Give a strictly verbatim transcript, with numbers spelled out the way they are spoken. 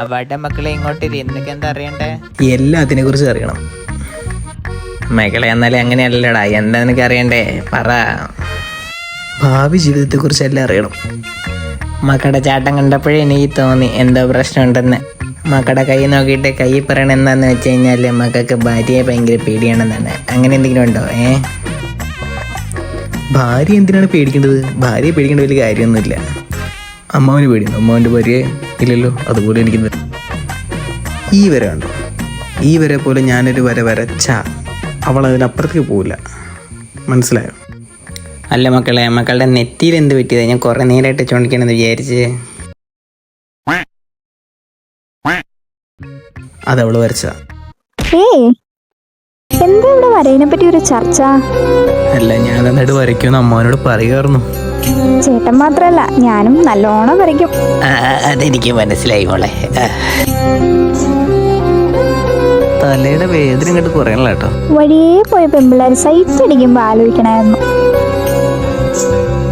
അവിടെ മക്കളെ ഇങ്ങോട്ട് നിനക്ക് എന്താ അറിയണ്ടേ? എല്ലാത്തിനെ കുറിച്ച് അറിയണം മകളെ. എന്നാലും അങ്ങനെയല്ലടാ, എന്താ നിനക്ക് അറിയണ്ടേ? പറ. ഭാവി ജീവിതത്തെ കുറിച്ച് എല്ലാം അറിയണം. മക്കളുടെ ചാട്ടം കണ്ടപ്പോഴേ എനിക്ക് തോന്നി എന്തോ പ്രശ്നമുണ്ടെന്ന്. മക്കളുടെ കൈ നോക്കിയിട്ട് കൈ പറയണ എന്താന്ന് വെച്ച് കഴിഞ്ഞാൽ മക്കൾക്ക് ഭാര്യയെ ഭയങ്കര പേടിയാണെന്നാണ്. അങ്ങനെ എന്തെങ്കിലും ഉണ്ടോ? ഏ ഭാര്യ എന്തിനാണ് പേടിക്കേണ്ടത്? ഭാര്യയെ പേടിക്കേണ്ട വലിയ കാര്യമൊന്നുമില്ല. അമ്മാവന് പേടിയുണ്ടോ? അമ്മാവൻ്റെ ഭാര്യയെ ഇല്ലല്ലോ. അതുപോലെ എനിക്ക് ഈ വര കണ്ടോ? ഈ വരെ പോലെ ഞാനൊരു വര വരച്ച അവൾ അതിനപ്പുറത്തേക്ക് പോവില്ല. മനസ്സിലായോ? അല്ല മക്കളെ, മക്കളുടെ നെറ്റിയിൽ എന്ത് പറ്റിയത്? ഞാൻ കുറെ നേരമായിട്ട് ചോദിക്കണമെന്ന് വിചാരിച്ച്. അതവള് വരച്ച. എന്താ ഇവിടെ വരയിനെ പറ്റി ഒരു ചർച്ച? അല്ല, ഞാൻ എന്നിട്ട് വരയ്ക്കുമെന്ന് അമ്മാവനോട് പറയുമായിരുന്നു. ചേട്ടൻ മാത്രല്ല, ഞാനും നല്ലോണം വരയ്ക്കും. അതെനിക്ക് മനസ്സിലായി മോളെ. തലയുടെ വേദന ഇങ്ങോട്ട് കുറയണല്ലോ കേട്ടോ. വഴിയേ പോയ പെമ്പിള്ളേർ സൈറ്റ് അടിക്കുമ്പോ ആലോചിക്കണായിരുന്നു.